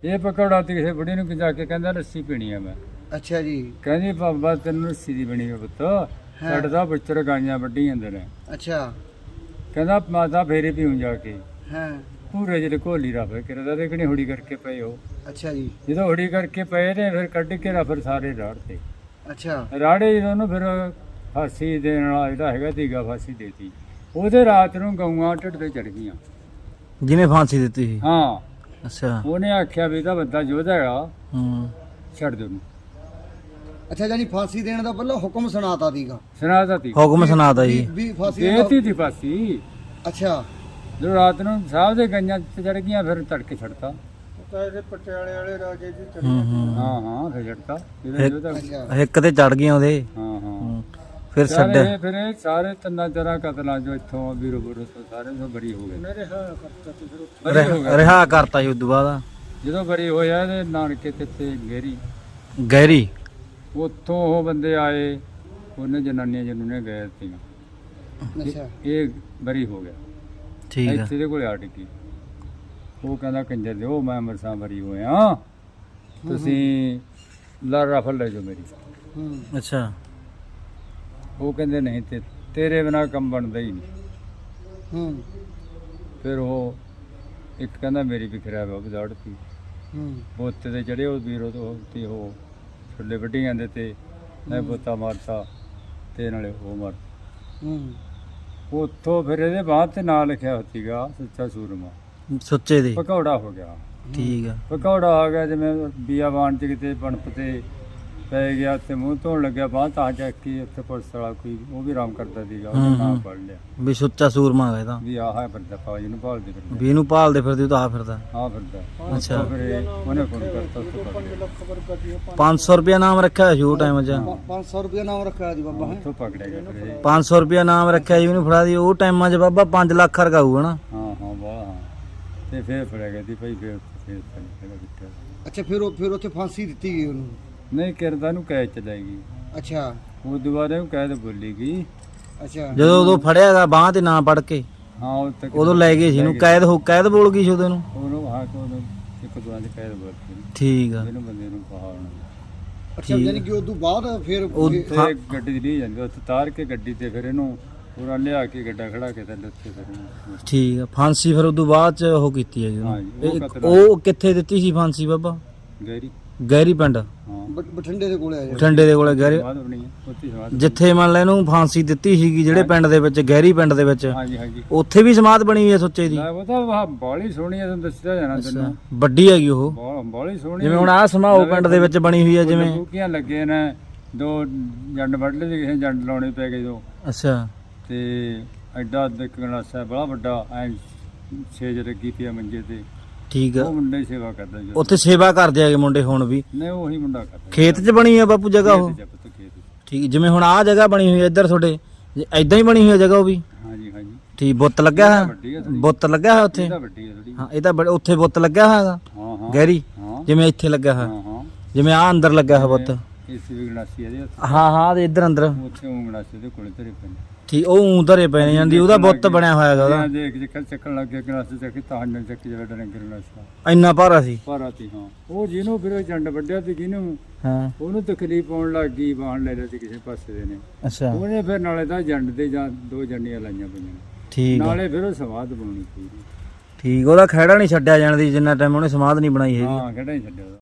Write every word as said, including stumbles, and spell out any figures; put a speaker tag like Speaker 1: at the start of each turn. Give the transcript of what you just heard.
Speaker 1: ਇਹ ਪਕੌੜਾ ਤੇ ਕਿਸੇ ਬੁੜੀ ਨੂੰ ਜਾ ਕੇ ਕਹਿੰਦਾ ਲੱਸੀ ਪੀਣੀ ਆ ਮੈਂ।
Speaker 2: ਅੱਛਾ ਜੀ।
Speaker 1: ਕਹਿੰਦੀ ਬਾਬਾ ਤੈਨੂੰ ਲੱਸੀ ਦੀ ਬਣੀ ਹੋਈ ਪੁੱਤ, ਸਾਡੇ ਤਾਂ ਬੱਚਰ ਗਾਈਆਂ ਵੱਢੀ ਜਾਂਦੇ ਨੇ।
Speaker 2: ਅੱਛਾ।
Speaker 1: ਕਹਿੰਦਾ ਮਾਤਾ ਫੇਰੇ ਪੀਉਂ ਜਾ ਕੇ।
Speaker 2: ਹਾਂ।
Speaker 1: ਪੂਰੇ ਜਿਹੜੇ ਘੋਲੀ ਰੱਖ ਕਿਰਦਾ ਤੇ ਕਿਹੜੀ ਹੁੜੀ ਕਰਕੇ ਪਏ ਹੋ।
Speaker 2: ਅੱਛਾ ਜੀ।
Speaker 1: ਜਦੋਂ ਹੁੜੀ ਕਰਕੇ ਪਏ ਨੇ ਫਿਰ ਕੱਢ ਕੇ ਰਾ ਫਿਰ ਸਾਰੇ ਰਾੜ ਤੇ।
Speaker 2: ਅੱਛਾ।
Speaker 1: ਰਾੜੇ ਜਦੋਂ ਉਹਨੂੰ ਫਿਰ ਫਾਂਸੀ ਦੇਣ ਵਾਲਾ ਜਿਹੜਾ ਹੈਗਾ ਤੀਗਾ ਫਾਂਸੀ ਦੇਤੀ। ਉਹਦੇ ਰਾਤ ਨੂੰ ਗਊਆਂ ਢਿੱਡ ਤੇ ਚੜ ਗਈਆਂ
Speaker 3: ਜਿਹਨੇ ਫਾਂਸੀ ਦਿੱਤੀ ਸੀ।
Speaker 1: ਹਾਂ।
Speaker 3: ਅੱਛਾ।
Speaker 1: ਉਹਨੇ ਆਖਿਆ ਵੀ ਇਹਦਾ ਬੰਦਾ ਯੋਧਾ ਹੈਗਾ,
Speaker 3: ਹੂੰ,
Speaker 1: ਛੱਡ ਦੇ ਉਹਨੂੰ।
Speaker 2: ਅੱਛਾ ਜਾਨੀ ਫਾਂਸੀ ਦੇਣ ਦਾ ਪਹਿਲਾਂ ਹੁਕਮ ਸੁਣਾਤਾ ਸੀਗਾ।
Speaker 1: ਸੁਣਾਤਾ ਤੀ
Speaker 3: ਹੁਕਮ ਸੁਣਾਤਾ ਜੀ।
Speaker 2: ਵੀ- ਵੀ ਫਾਂਸੀ ਦੇਣ ਦਾ-
Speaker 1: ਦੇਤੀ ਤੀ ਫਾਂਸੀ।
Speaker 2: ਅੱਛਾ।
Speaker 1: ਜਦੋਂ ਰਾਤ ਨੂੰ ਸਾਹਿਬ ਦੇ ਗਈਆਂ ਤੇ ਚੜ ਗਈਆਂ ਫਿਰ ਤੜਕੇ ਛੱਡਤਾ।
Speaker 2: ਪਟਿਆਲੇ ਵਾਲੇ ਰਾਜੇ ਦੀ
Speaker 3: ਹੂੰ ਹੂੰ,
Speaker 1: ਹਾਂ ਹਾਂ ਫਿਰ ਛੱਡਤਾ ਇਹਦਾ ਯੋਧਾ।
Speaker 2: ਅੱਛਾ।
Speaker 3: ਇੱਕ ਤੇ ਚੜ ਗਏ ਉਹਦੇ।
Speaker 1: ਹਾਂ ਹਾਂ
Speaker 3: ਹੂੰ, ਫਿਰ
Speaker 1: ਸਾਰੇ
Speaker 3: ਛੱਡ।
Speaker 1: ਫਿਰ ਇਹ ਸਾਰੇ ਤਿੰਨਾਂ ਚਾਰਾਂ ਕਤਲਾਂ ਜੋ ਇੱਥੋਂ ਵੀਰੋ ਬੁਰੋ ਤੋਂ ਸਾਰੇ ਤੋਂ ਬਰੀ ਹੋ ਗਏ। ਬਰੀ ਹੋ ਗਏ।
Speaker 3: ਰਿਹਾ ਕਰਤਾ ਸੀ ਉਦੋਂ ਬਾਅਦ।
Speaker 1: ਜਦੋਂ ਬਰੀ ਹੋਇਆ ਤੇ ਨਾਨਕੇ ਤੇ ਤੇ ਗਹਿਰੀ
Speaker 3: ਗਹਿਰੀ।
Speaker 1: ਉੱਥੋਂ ਉਹ ਬੰਦੇ ਆਏ, ਉਹਨੇ ਜਨਾਨੀਆਂ ਜਿਹਨੂੰ ਨੇ ਗਏ ਸੀ।
Speaker 2: ਅੱਛਾ।
Speaker 1: ਇਹ ਬਰੀ ਹੋ ਗਿਆ।
Speaker 3: ਠੀਕ ਆ।
Speaker 1: ਇੱਥੇ ਦੇ ਕੋਲੇ ਆ ਟਿੱਕੀ। ਉਹ ਕਹਿੰਦਾ ਕੰਜਰ ਦੇ ਉਹ ਮੈਂ ਮਰਸਾਂ ਬਰੀ ਹੋਇਆ, ਤੁਸੀਂ ਲਾ ਰਫਲ ਲੈ ਜਾਓ ਮੇਰੀ।
Speaker 2: ਹੂੰ।
Speaker 3: ਅੱਛਾ।
Speaker 1: ਉਹ ਕਹਿੰਦੇ ਨਹੀਂ ਤੇ ਤੇਰੇ ਬਿਨਾ ਕੰਮ ਬਣਦਾ ਹੀ ਨਹੀਂ।
Speaker 2: ਹੂੰ।
Speaker 1: ਫਿਰ ਉਹ ਇੱਕ ਕਹਿੰਦਾ ਮੇਰੀ ਵੀ ਖਰਾਬ ਹੋ ਗਈ ਦੌੜਤੀ।
Speaker 2: ਹੂੰ।
Speaker 1: ਬੋਤੇ ਤੇ ਚੜੇ ਉਹ ਵੀਰੋ ਤੋਂ ਤੇ ਉਹ ਛੱਲੇ ਵੱਢੀ ਜਾਂਦੇ ਤੇ ਮੈਂ ਬੋਤਾ ਮਾਰਤਾ ਤੇ ਨਾਲੇ ਉਹ ਮਾਰ।
Speaker 2: ਹੂੰ।
Speaker 1: ਉੱਥੋਂ ਫਿਰ ਇਹਦੇ ਬਾਅਦ ਤੇ ਨਾਂ ਲਿਖਿਆ ਹੋਇਆ ਸੀਗਾ ਸੱਚਾ ਸੂਰਮਾ।
Speaker 3: ਸੁੱਚੇ ਦੇ।
Speaker 1: ਪਕੌੜਾ ਹੋ ਗਿਆ।
Speaker 3: ਠੀਕ ਆ।
Speaker 1: ਪਕੌੜਾ ਆ ਗਿਆ ਜਿਵੇਂ ਬੀਆਬਾਨ ਚ ਕਿਤੇ ਬਣਪ ਤੇ ਪੈ ਗਿਆ ਤੇ ਮੂੰਹ ਧੋਣ ਲੱਗਿਆ ਬਾਂਹ ਤਾਂ ਚੱਕੀ ਉੱਥੇ ਪੁਲਿਸ ਵਾਲਾ ਕੋਈ ਉਹ ਵੀ ਆਰਾਮ ਕਰਦਾ ਸੀਗਾ, ਉਹਨੇ ਨਾਂ ਪੜ ਲਿਆ
Speaker 3: ਵੀ ਸੁੱਚਾ ਸੂਰਮਾ ਹੈਗਾ ਇਹਦਾ।
Speaker 1: ਵੀ ਆਹ ਹੈ ਫਿਰਦਾ ਫੌਜ ਨੂੰ ਭਾਲਦੇ ਫਿਰਦੇ
Speaker 3: ਵੀ ਇਹਨੂੰ ਭਾਲਦੇ ਫਿਰਦੇ ਉਹ ਤਾਂ ਆ ਫਿਰਦਾ।
Speaker 1: ਆਹ ਫਿਰਦਾ।
Speaker 3: ਅੱਛਾ।
Speaker 1: ਫਿਰ ਇਹ ਉਹਨੇ ਫੋਨ ਕਰਤਾ ਉੱਥੋਂ ਪਕੜਿਆ।
Speaker 3: ਪੰਜ ਸੌ ਰੁਪਇਆ ਨਾਮ ਰੱਖਿਆ ਹੋਇਆ ਸੀ ਉਹ ਟਾਈਮ 'ਚ।
Speaker 2: ਪੰਜ ਸੌ ਰੁਪਏ ਨਾਮ ਰੱਖਿਆ ਜੀ ਬਾਬਾ ਹੈ।
Speaker 1: ਉੱਥੋਂ ਪਕੜਿਆ ਗਿਆ ਫਿਰ ਇਹ।
Speaker 3: ਪੰਜ ਸੌ ਰੁਪਇਆ ਨਾਮ ਰੱਖਿਆ ਜੀ ਉਹਨੂੰ ਫੜਾ ਦੀ। ਉਹ ਟਾਈਮਾਂ 'ਚ ਬਾਬਾ ਪੰਜ ਲੱਖ ਰਕਾਊ ਹਨਾ।
Speaker 1: ਹਾਂ ਹਾਂ ਬਾਹਲਾ ਹਾਂ। ਤੇ ਫਿਰ ਫੜਿਆ ਗਿਆ ਸੀ ਭਾਈ ਫਿਰ ਫਿਰ ਫੜਿਆ ਗਿਆ।
Speaker 2: ਅੱਛਾ। ਫਿਰ ਉਹ ਫਿਰ ਉੱਥੇ ਫਾਂਸੀ ਦਿੱਤੀ ਗਈ ਉਹਨੂੰ।
Speaker 1: ਨਹੀਂ ਕਿਰਦਾ ਨੂੰ ਕੈਦ ਚ ਲੈ ਗਈ।
Speaker 2: ਅੱਛਾ।
Speaker 1: ਉਹ ਦੁਬਾਰਾ ਨੂੰ ਕੈਦ ਬੋਲੀ ਗਈ।
Speaker 2: ਅੱਛਾ।
Speaker 3: ਜਦੋਂ ਉਦੋਂ ਫੜਿਆਗਾ ਬਾਂਹ ਤੇ ਨਾਂ ਪੜ ਕੇ
Speaker 1: ਹਾਂ ਉਹ ਤੱਕ
Speaker 3: ਉਦੋਂ ਲੈ ਗਏ ਸੀ ਇਹਨੂੰ। ਕੈਦ ਹੋ ਕੈਦ ਬੋਲ ਗਈ ਸੀ ਉਹਦੇ ਨੂੰ।
Speaker 1: ਉਹਨੂੰ ਹਾਂ ਕੋ ਇੱਕ ਦੁਆ ਚ ਕੈਦ ਬੋਲਤੀ।
Speaker 3: ਠੀਕ ਆ।
Speaker 1: ਇਹਨੂੰ ਬੰਦੇ ਨੂੰ ਕਹਾ ਹੋਣਾ।
Speaker 2: ਅੱਛਾ ਯਾਨੀ ਕਿ ਉਦੋਂ ਬਾਅਦ ਫਿਰ
Speaker 3: ਉਹ-
Speaker 1: ਤੇ ਗੱਡੀ ਦੀ ਜਾਂਦੀ ਉੱਥੇ ਤਾਰ ਕੇ ਗੱਡੀ ਤੇ ਫਿਰ ਇਹਨੂੰ ਪੂਰਾ ਲਿਆ ਕੇ ਗੱਡਾ ਖੜਾ ਕੇ ਤੇ ਲੱਥੇ ਫਿਰ ਇਹਨੂੰ।
Speaker 3: ਠੀਕ ਆ। ਫਾਂਸੀ ਫਿਰ ਉਦੋਂ ਬਾਅਦ 'ਚ ਉਹ ਕੀਤੀ ਹੈਗੀ ਉਹਨੂੰ।
Speaker 1: ਹਾਂ ਜੀ, ਉਹ
Speaker 3: ਇਹ-
Speaker 1: ਕਤਲ
Speaker 3: ਉਹ ਕਿੱਥੇ ਦਿੱਤੀ ਸੀ ਫਾਂਸੀ ਬਾਬਾ?
Speaker 1: ਗਹਿਰੀ।
Speaker 3: ਗਹਿਰੀ ਪਿੰਡ
Speaker 1: ਹਾਂ
Speaker 2: ਬ- ਬਠਿੰਡੇ ਦੇ ਕੋਲੇ ਆਇਆ।
Speaker 3: ਠੰਡੇ ਦੇ ਕੋਲੇ ਗਹਿਰੀ।
Speaker 1: ਬਾਅਦ ਬਣੀ ਹੈ ਉੱਥੇ ਸਮਾਧ।
Speaker 3: ਜਿੱਥੇ ਮੰਨ ਲੈ ਇਹਨੂੰ ਫਾਂਸੀ ਦਿੱਤੀ ਸੀਗੀ ਜਿਹੜੇ ਪਿੰਡ ਦੇ ਵਿੱਚ, ਗਹਿਰੀ ਪਿੰਡ ਦੇ ਵਿੱਚ,
Speaker 1: ਹਾਂਜੀ ਹਾਂਜੀ।
Speaker 3: ਉੱਥੇ ਵੀ ਸਮਾਧ ਬਣੀ ਹੋਈ ਹੈ ਸੁੱਚੇ ਦੀ।
Speaker 1: ਲੈ ਉਹ ਤਾਂ ਵਾਹ ਬਾਲੀ ਸੋਹਣੀ ਹੈ, ਤੁਹਾਨੂੰ ਦੱਸਿਆ ਜਾਣਾ ਤੈਨੂੰ।
Speaker 3: ਵੱਡੀ ਹੈਗੀ ਉਹ।
Speaker 1: ਬਹੁਤ ਬਾਲੀ ਸੋਹਣੀ।
Speaker 3: ਜਿਵੇਂ ਹੁਣ ਆਹ ਸਮਾਓ ਪਿੰਡ ਦੇ ਵਿੱਚ ਬਣੀ ਹੋਈ ਹੈ ਜਿਵੇਂ।
Speaker 1: ਬੂਕੀਆਂ ਲੱਗੇ ਨੇ, ਦੋ ਜੰਡ ਵੱਢ ਲਏ ਕਿਸੇ ਜੰਡ ਲਾਉਣੇ ਪੈ ਗਏ ਦੋ।
Speaker 3: ਅੱਛਾ।
Speaker 1: ਤੇ ਐਡਾ ਇੱਕ ਗਲਾਸਾ ਬੜਾ ਵੱਡਾ ਐ ਛੇਜ ਲੱਗੀ ਪਿਆ ਮੰਜੇ ਤੇ।
Speaker 3: ਠੀਕ ਆ।
Speaker 1: ਉਹ ਮੁੰਡਾ ਹੀ ਸੇਵਾ ਕਰਦਾ ਜੀ।
Speaker 3: ਉੱਥੇ ਸੇਵਾ ਕਰਦੇ ਹੈਗੇ ਮੁੰਡੇ ਹੁਣ ਵੀ।
Speaker 1: ਨਹੀਂ ਉਹੀ ਮੁੰਡਾ ਕਰਦਾ।
Speaker 3: ਖੇਤ 'ਚ ਬਣੀ ਹੈ ਬਾਪੂ ਜਗ੍ਹਾ ਉਹ?
Speaker 1: ਖੇਤ 'ਚ ਪੁੱਤ, ਖੇਤ 'ਚ।
Speaker 3: ਠੀਕ। ਜਿਵੇਂ ਹੁਣ ਆਹ ਜਗ੍ਹਾ ਬਣੀ ਹੋਈ ਹੈ ਇੱਧਰ ਤੁਹਾਡੇ, ਐਦਾਂ ਹੀ ਬਣੀ ਹੋਈ ਹੈ ਜਗ੍ਹਾ ਉਹ ਵੀ?
Speaker 1: ਹਾਂਜੀ ਹਾਂਜੀ।
Speaker 3: ਠੀਕ। ਬੁੱਤ ਲੱਗਿਆ
Speaker 1: ਇਹਦਾ
Speaker 3: ਹੈ?
Speaker 1: ਵੱਡੀ ਹੈ ਥੋੜੀ।
Speaker 3: ਬੁੱਤ ਲੱਗਿਆ ਹੈ ਉੱਥੇ?
Speaker 1: ਇਹਦਾ ਵੱਡੀ ਹੈ ਥੋੜੀ।
Speaker 3: ਹਾਂ ਇਹ ਤਾਂ ਬੜ- ਉੱਥੇ ਬੁੱਤ ਲੱਗਿਆ ਹੋਇਆ
Speaker 1: ਹਾਂ ਹਾਂ।
Speaker 3: ਗਹਿਰੀ
Speaker 1: ਹਾਂ
Speaker 3: ਜਿਵੇਂ ਇੱਥੇ ਲੱਗਾ ਹੈ,
Speaker 1: ਹਾਂ ਹਾਂ।
Speaker 3: ਜਿਵੇਂ ਆ ਅੰਦਰ ਲੱਗਾ ਹੈ ਬੁੱਤ।
Speaker 1: ਇਸ ਵੀ ਗਲਾਸੀ ਇਹਦੇ ਹੱਥ।
Speaker 3: ਹਾਂ ਹਾਂ ਤੇ ਇੱਧਰ ਅੰਦਰ।
Speaker 1: ਉੱਥੇ ਉਹ ਗਲਾਸੀ ਦੇ ਕੋਲੇ ਧਰੇ ਪਏ ਨੇ।
Speaker 3: ਠੀਕ। ਉਹ ਊਂ ਧਰੇ ਪਏ ਨੇ ਜਾਂਦੀ, ਉਹਦਾ ਬੁੱਤ ਬਣਿਆ ਹੋਇਆ ਹੈਗਾ ਉਹਦਾ।
Speaker 1: ਦੇਖ ਚੱਕਰ ਚੱਕਣ ਲੱਗ ਗਿਆ ਗਲਾਸੀ ਚੱਕੀ ਤਾਂ ਹੰਨ ਚੱਕੀ ਜਿਹੜਾ ਡਰੰਗ ਗਲਾਸਾ
Speaker 3: ਇੰਨਾ ਭਾਰਾ ਸੀ।
Speaker 1: ਭਾਰਾ ਸੀ। ਹਾਂ ਉਹ ਜਿਹਨੂੰ ਫਿਰ ਉਹ ਜੰਡ ਵੱਢਿਆ ਤੇ ਜਿਹਨੂੰ
Speaker 3: ਹਾਂ।
Speaker 1: ਉਹਨੂੰ ਤਕਲੀਫ ਪਾਉਣ ਲੱਗ ਗਈ, ਬਾਹਣ ਲੈ ਲਿਆ ਸੀ ਕਿਸੇ ਪਾਸੇ ਦੇ ਨੇ।
Speaker 3: ਅੱਛਾ।
Speaker 1: ਉਹਨੇ ਫਿਰ ਨਾਲੇ ਤਾਂ ਜੰਡ ਦੇ ਜਾਂ ਦੋ ਜੰਡੀਆਂ ਲਾਈਆਂ ਪਈਆਂ,
Speaker 3: ਠੀਕ ਆ।
Speaker 1: ਨਾਲੇ ਫਿਰ ਉਹ ਸਵਾਦ ਬਣਾਉਣੀ ਪਈ।
Speaker 3: ਠੀਕ। ਉਹਦਾ ਖਹਿੜਾ ਨਹੀਂ ਛੱਡਿਆ ਜਾਣ ਦੀ ਜਿੰਨਾ ਟਾਈਮ ਉਹਨੇ ਸਮਾਧ ਨਹੀਂ ਬਣਾਈ ਹੈਗੀ।
Speaker 1: ਹਾਂ ਕਿਹੜਾ ਹੀ ਛੱਡਿਆ ਉਹਦਾ।